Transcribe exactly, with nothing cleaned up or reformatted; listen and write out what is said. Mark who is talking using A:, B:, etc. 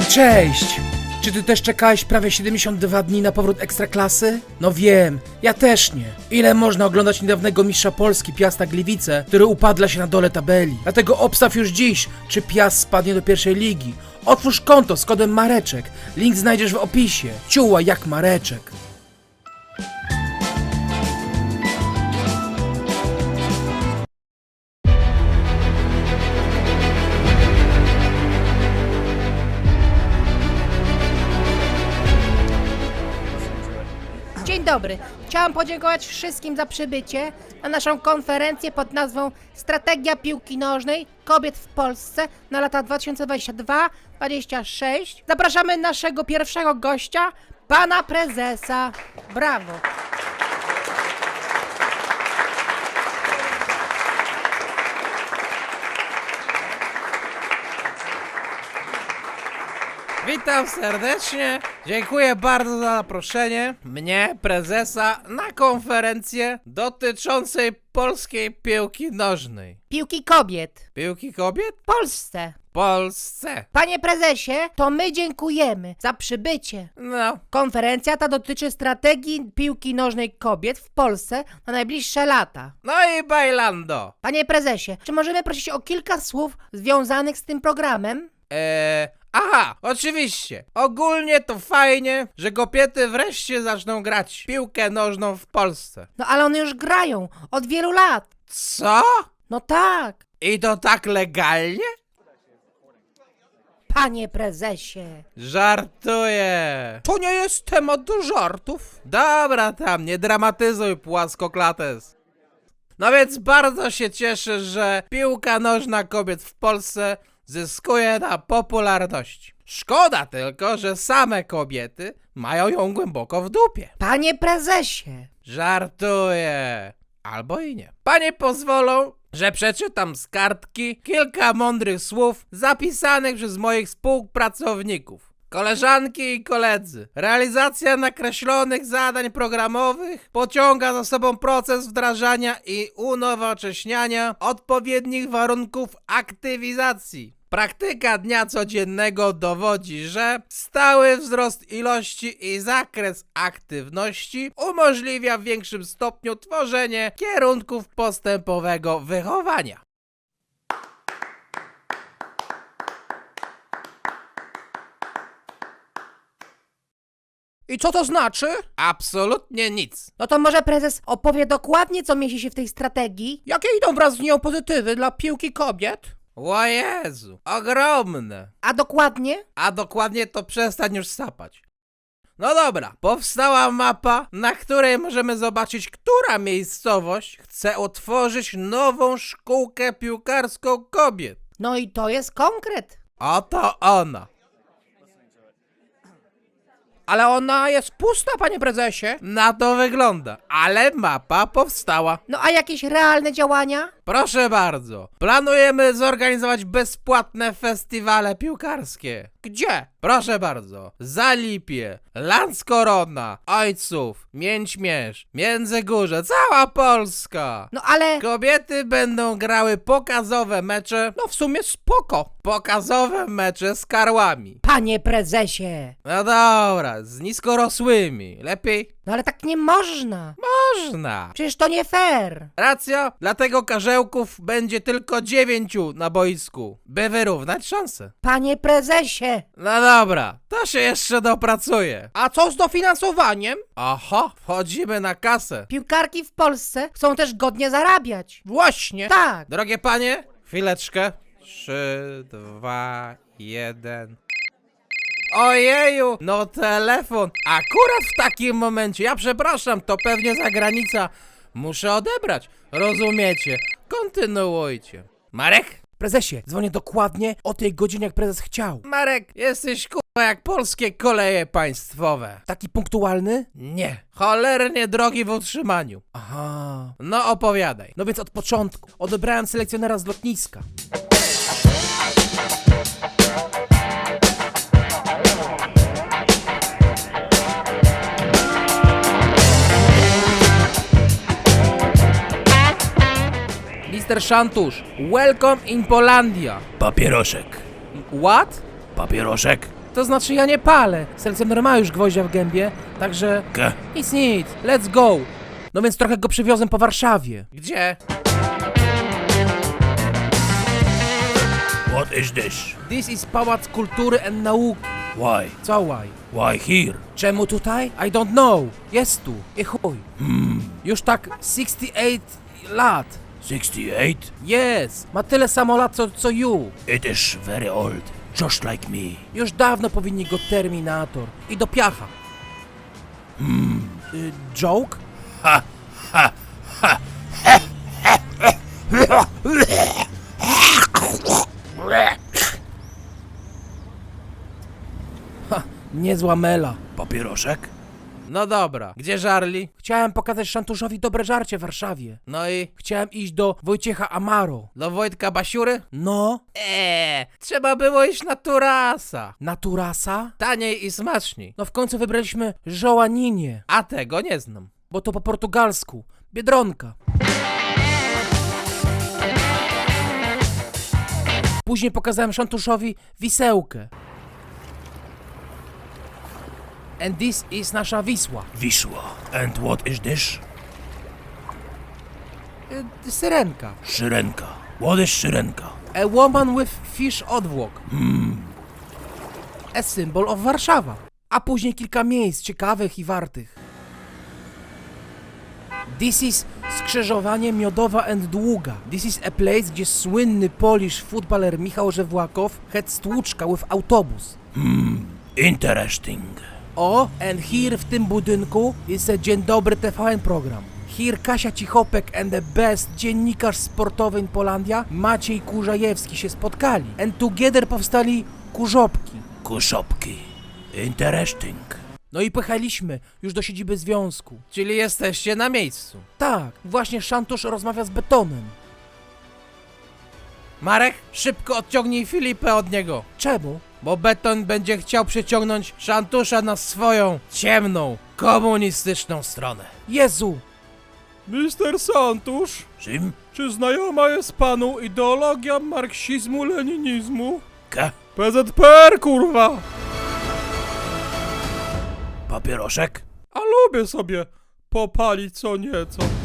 A: cześć! Czy ty też czekałeś prawie siedemdziesiąt dwa dni na powrót Ekstraklasy? No wiem, ja też nie. Ile można oglądać niedawnego mistrza Polski Piasta Gliwice, który upadla się na dole tabeli? Dlatego obstaw już dziś, czy Piast spadnie do pierwszej ligi. Otwórz konto z kodem Mareczek. Link znajdziesz w opisie. Ciuła jak Mareczek.
B: Dzień dobry. Chciałam podziękować wszystkim za przybycie na naszą konferencję pod nazwą Strategia piłki nożnej kobiet w Polsce na lata dwa tysiące dwudziesty drugi do dwudziestego szóstego. Zapraszamy naszego pierwszego gościa, pana prezesa. Brawo.
C: Witam serdecznie, dziękuję bardzo za zaproszenie mnie, prezesa, na konferencję dotyczącej polskiej piłki nożnej.
B: Piłki kobiet
C: Piłki kobiet?
B: w Polsce.
C: W Polsce.
B: Panie prezesie, to my dziękujemy za przybycie.
C: No,
B: Konferencja ta dotyczy strategii piłki nożnej kobiet w Polsce na najbliższe lata.
C: no i bailando.
B: Panie prezesie, czy możemy prosić o kilka słów związanych z tym programem?
C: Eee, aha, oczywiście. Ogólnie to fajnie, że kobiety wreszcie zaczną grać w piłkę nożną w Polsce.
B: No ale one już grają od wielu lat.
C: Co?
B: No tak,
C: I to tak legalnie?
B: panie prezesie.
C: Żartuję. To nie jest temat do żartów. Dobra tam, nie dramatyzuj, płaskoklates. No więc bardzo się cieszę, że piłka nożna kobiet w Polsce zyskuje na popularności. Szkoda tylko, że same kobiety mają ją głęboko w dupie.
B: Panie prezesie.
C: Żartuję. Albo i nie. Panie pozwolą, że przeczytam z kartki kilka mądrych słów zapisanych przez moich współpracowników. Koleżanki i koledzy, realizacja nakreślonych zadań programowych pociąga za sobą proces wdrażania i unowocześniania odpowiednich warunków aktywizacji. Praktyka dnia codziennego dowodzi, że stały wzrost ilości i zakres aktywności umożliwia w większym stopniu tworzenie kierunków postępowego wychowania.
A: I co to znaczy?
C: Absolutnie nic.
B: No to może prezes opowie dokładnie, co mieści się w tej strategii?
A: Jakie idą wraz z nią pozytywy dla piłki kobiet?
C: O Jezu, ogromne.
B: A dokładnie?
C: A dokładnie to przestań już sapać. No dobra, powstała mapa, na której możemy zobaczyć, która miejscowość chce otworzyć nową szkółkę piłkarską kobiet.
B: No i to jest konkret.
C: Oto ona.
A: Ale ona jest pusta, panie prezesie.
C: Na to wygląda, ale mapa powstała.
B: No a jakieś realne działania?
C: Proszę bardzo, planujemy zorganizować bezpłatne festiwale piłkarskie.
A: Gdzie?
C: Proszę bardzo, Zalipie, Landskorona, Ojców, Mięćmierz, Międzygórze, cała Polska.
B: No ale...
C: Kobiety będą grały pokazowe mecze,
A: No w sumie spoko.
C: pokazowe mecze z karłami.
B: Panie prezesie.
C: No dobra, z niskorosłymi, lepiej?
B: No ale tak nie można.
C: Można.
B: Przecież to nie fair.
C: Racja, dlatego karzełków będzie tylko dziewięciu na boisku, by wyrównać szanse.
B: Panie prezesie.
C: No dobra, to się jeszcze dopracuje.
A: A co z dofinansowaniem?
C: Oho, wchodzimy na kasę.
B: Piłkarki w Polsce chcą też godnie zarabiać.
A: Właśnie.
B: Tak.
C: Drogie panie, chwileczkę. Trzy, dwa, jeden. Ojeju, no telefon. Akurat w takim momencie, ja przepraszam, to pewnie zagranica. Muszę odebrać, rozumiecie? Kontynuujcie. Marek?
A: Prezesie, dzwonię dokładnie o tej godzinie, jak prezes chciał.
C: Marek, jesteś kurwa jak polskie koleje państwowe.
A: Taki punktualny?
C: Nie, cholernie drogi w utrzymaniu.
A: Aha.
C: No opowiadaj.
A: No więc od początku. Odebrałem selekcjonera z lotniska. mister Szantusz, welcome in Polandia.
D: Papieroszek.
A: What?
D: Papieroszek.
A: To znaczy ja nie palę. Selcener ma już gwoździa w gębie, także...
C: Ke?
A: Nic, nic, let's go. No więc trochę go przywiozłem po Warszawie.
C: Gdzie?
D: What is this?
A: This is Pałac Kultury and Nauki.
D: Why?
A: Co why?
D: Why here?
A: Czemu tutaj? I don't know. Jest tu. I chuj.
D: Hmm,
A: Już tak sixty eight lat.
D: sixty-eight?
A: Yes. Ma tyle samo lat co, co you.
D: It is very old, just like me.
A: Już dawno powinni go Terminator. I do piacha. Hmm. Y, joke?
D: Ha, ha, ha.
A: Ha, niezła mela.
D: Papieroszek?
C: No dobra, gdzie żarli?
A: Chciałem pokazać Szantuszowi dobre żarcie w Warszawie.
C: No i
A: Chciałem iść do Wojciecha Amaro.
C: do Wojtka Basiury?
A: No,
C: Eee, trzeba było iść na Turasa.
A: Naturasa?
C: Taniej i smaczniej.
A: No w końcu wybraliśmy Żołaninie,
C: A tego nie znam.
A: bo to po portugalsku. Biedronka. Później pokazałem Szantuszowi Wisełkę. And this is nasza Wisła.
D: Wisła. And what is this?
A: Y, syrenka.
D: Syrenka. What is syrenka?
A: A woman with fish odwłok. A symbol of Warszawa. A później kilka miejsc ciekawych i wartych. This is skrzyżowanie Miodowa and Długa. This is a place, gdzie słynny Polish footballer Michał Żewłakow had stłuczka with autobus.
D: Interesting.
A: O, and here w tym budynku jest a Dzień Dobry T V N program. Here Kasia Cichopek and the best dziennikarz sportowy in Polandia, Maciej Kurzajewski się spotkali. And together powstali Kurzopki.
D: Kuszopki. Interesting.
A: No i pojechaliśmy już do siedziby związku.
C: Czyli jesteście na miejscu.
A: Tak, właśnie Szantusz rozmawia z Betonem.
C: Marek, szybko odciągnij Filipę od niego.
A: Czemu?
C: Bo Beton będzie chciał przyciągnąć Szantusza na swoją ciemną, komunistyczną stronę.
A: Jezu!
E: Mister Santusz,
D: Sim?
E: czy znajoma jest panu ideologia marksizmu-leninizmu?
D: Ke?
E: P Z P R, kurwa!
D: Papieroszek?
E: A lubię sobie popalić co nieco.